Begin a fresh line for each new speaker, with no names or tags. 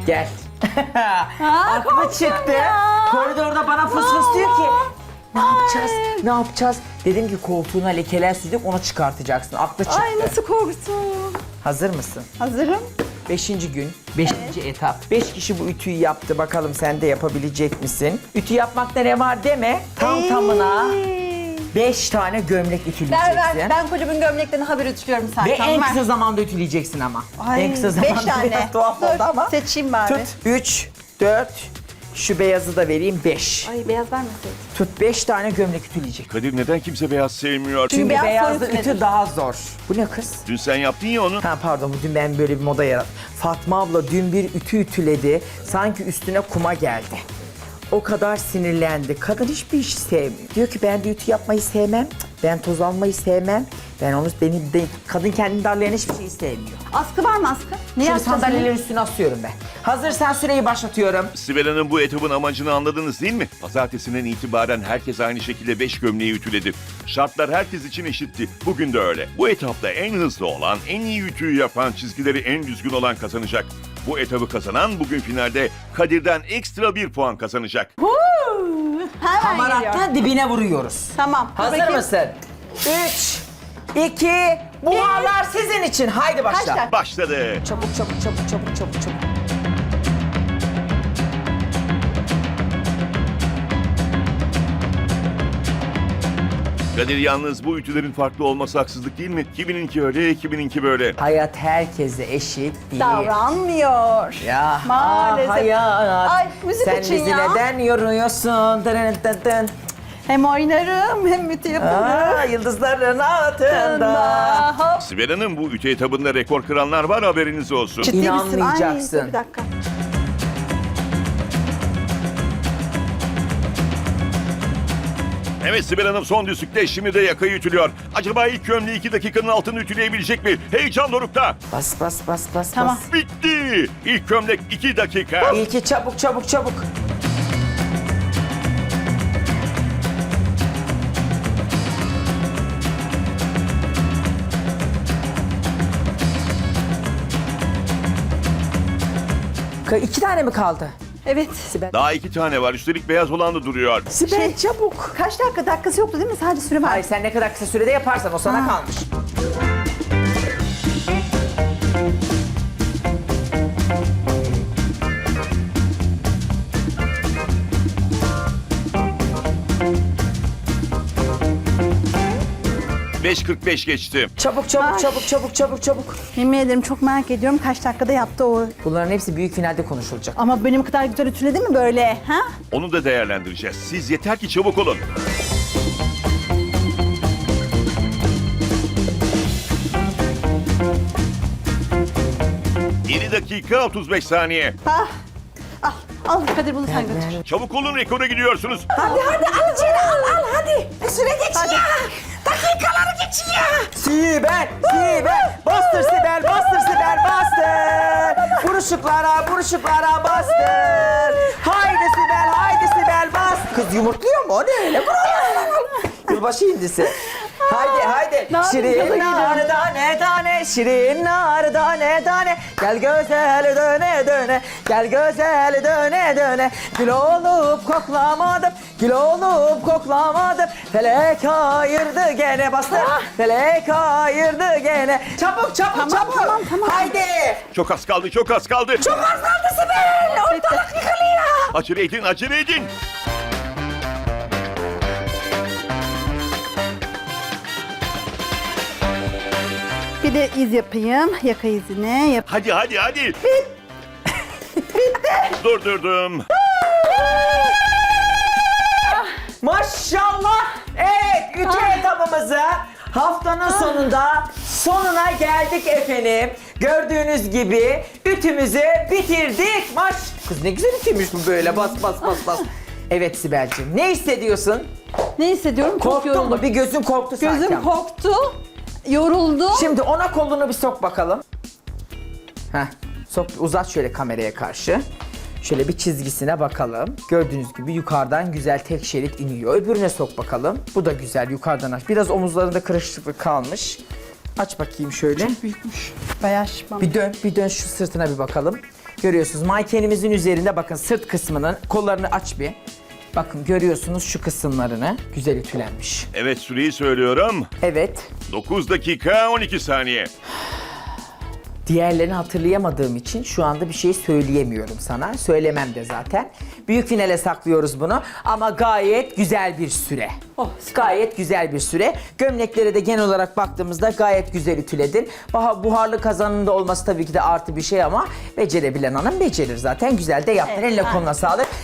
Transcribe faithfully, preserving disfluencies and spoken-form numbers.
Gel.
Aa,
Aklı
korktum
çıktı.
ya.
Koridorda bana fıs fıs diyor ki ne yapacağız? Ne yapacağız? Dedim ki koltuğuna lekeler sürdük, onu çıkartacaksın. Aklı çıktı.
Ay nasıl korktum.
Hazır mısın?
Hazırım.
Beşinci gün, beşinci etap. Beş kişi bu ütüyü yaptı. Bakalım sen de yapabilecek misin? Ütü yapmakta ne var deme. Tam tamına
Ey.
beş tane gömlek
Ver
ütüleyeceksin.
ver. Ben kocamın gömleklerini haber ütülüyorum zaten.
Ve en
Ver.
kısa zamanda ütüleyeceksin ama.
Ay,
en kısa
beş
zamanda
tane.
biraz tuhaf
Dur,
oldu ama.
seçeyim bari.
Tut. Üç, dört. Şu beyazı da vereyim. Beş.
Ay beyaz vermeseydin.
Tut beş tane gömlek ütüleyecek.
Kadir neden kimse beyaz sevmiyor?
Çünkü
beyaz
beyazlı
soyut
ütü
nedir?
daha zor. Bu ne kız?
Dün sen yaptın ya onu.
Ha pardon, dün ben böyle bir moda yarattım. Fatma abla dün bir ütü ütüledi. Sanki üstüne kuma geldi. O kadar sinirlendi. Kadın hiçbir iş sevmiyor. Diyor ki ben de ütü yapmayı sevmem. Ben toz almayı sevmem. Ben onu, beni de, kadın kendini darlayan hiçbir şeyi sevmiyor.
Askı var mı askı? Ne
Şimdi
yapacağız?
sandalyelerin üstüne asıyorum ben. Hazırsan süreyi başlatıyorum.
Sibel Hanım, bu etabın amacını anladınız değil mi? Pazartesinden itibaren herkes aynı şekilde beş gömleği ütüledi. Şartlar herkes için eşitti. Bugün de öyle. Bu etapta en hızlı olan, en iyi ütüyü yapan, çizgileri en düzgün olan kazanacak. Bu etabı kazanan bugün finalde Kadir'den ekstra bir puan kazanacak.
Hemen
Hamarattan
geliyor.
dibine vuruyoruz.
Tamam. dur
Hazır
bakayım.
mısın? Üç, iki, buharlar sizin için. Haydi başla.
Kaç dakika?
Başladı.
Çabuk çabuk çabuk çabuk çabuk çabuk.
Kadir, yalnız bu ütülerin farklı olması haksızlık değil mi? Kimininki öyle, kimininki böyle.
Hayat herkese eşit değil.
Davranmıyor.
Ya
Maalesef.
ah hayat.
Ay, müzik
Sen
için
bizi
ya.
neden yoruyorsun? Dın dın dın.
Hem oynarım hem ütü yaparım.
Aa, yıldızların altında.
Hop.
Sibel Hanım, bu ütü etabında rekor kıranlar var, haberiniz olsun.
Ciddi misin? Ay,
İnanmayacaksın.
dur bir dakika.
Evet Sibel Hanım, son düzlükte, şimdi de yakayı ütülüyor. Acaba ilk gömleği iki dakikanın altını ütüleyebilecek mi? Heyecan dorukta.
Bas bas bas bas
Tamam.
bas.
Bitti. İlk gömlek iki dakika.
İlki çabuk çabuk çabuk. Ka- İki tane mi kaldı?
Evet.
Sibel.
Daha iki tane var. Üstelik beyaz olan da duruyor.
Sibel
Şey-
çabuk.
Kaç dakika? Dakikası yoktu değil mi? Sadece süre var.
Hayır, sen ne kadar kısa sürede yaparsan o sana
Ha.
kalmış.
beş kırk beş geçti.
Çabuk çabuk
Ay.
çabuk çabuk çabuk çabuk.
Yemin ederim çok merak ediyorum kaç dakikada yaptı o.
Bunların hepsi büyük finalde konuşulacak.
Ama benim kadar güzel ütüledi mi böyle? Ha?
Onu da değerlendireceğiz. Siz yeter ki çabuk olun. yedi dakika otuz beş saniye.
Ah. Al. Al Kadir bunu sen götür.
Çabuk olun, rekora gidiyorsunuz.
Hadi hadi al içeri al al hadi. Süre geçiyor. Dakikaları geçiyor. Sibel, Sibel. Bastır Sibel, bastır Sibel, bastır. Buruşuklara, buruşuklara bastır. Haydi Sibel, haydi Sibel bas. Kız yumurtluyor mu? O ne öyle? Yılbaşı indisi. Haydi haydi.
Ne yapayım, gaza
Şirin
geliyorum.
nar tane tane, şirin nar tane tane. Gel güzel döne döne, gel güzel döne döne. Gül olup koklamadım, gül olup koklamadım. Felek ayırdı gene bastır, felek ayırdı gene. Çabuk çabuk
Tamam,
çabuk.
tamam, tamam.
Haydi.
Çok az kaldı, çok az kaldı.
Çok az kaldı Sibel. Ortalık yıkılıyor.
Acele edin, acele edin.
Bir de iz yapayım. Yaka izine yap.
Hadi hadi hadi. Bitti. Durdurdum.
Maşallah. Evet, ütü etabımızı haftanın sonunda sonuna geldik efendim. Gördüğünüz gibi ütümüzü bitirdik. Maş. Kız ne güzel ütüymüş bu böyle. Bas bas bas bas. Evet Sibel'ciğim, ne hissediyorsun?
Ne hissediyorum? Çok
Korktun
yoruldum.
mu? Bir gözün korktu sanki.
Gözüm
ama.
korktu. Yoruldum.
Şimdi ona kolunu bir sok bakalım. Heh, sok, uzat şöyle kameraya karşı. Şöyle bir çizgisine bakalım. Gördüğünüz gibi yukarıdan güzel tek şerit iniyor. Öbürüne sok bakalım. Bu da güzel yukarıdan aç. Biraz omuzlarında kırışıklık kalmış. Aç bakayım şöyle.
Büyükmüş. Bayağı şişman.
Bir dön, bir dön şu sırtına bir bakalım. Görüyorsunuz mankenimizin üzerinde bakın sırt kısmının kollarını aç bir. Bakın görüyorsunuz şu kısımlarını. Güzel ütülenmiş.
Evet, süreyi söylüyorum.
Evet.
dokuz dakika on iki saniye.
Diğerlerini hatırlayamadığım için şu anda bir şey söyleyemiyorum sana. Söylemem de zaten. Büyük finale saklıyoruz bunu ama gayet güzel bir süre.
Oh,
Gayet güzel bir süre. Gömleklere de genel olarak baktığımızda gayet güzel ütüledin. Baha- Buharlı kazanın da olması tabii ki de artı bir şey ama becerebilen hanım becerir zaten. Güzel de yaptın.
Evet,
Eline
aynen.
koluna sağlık.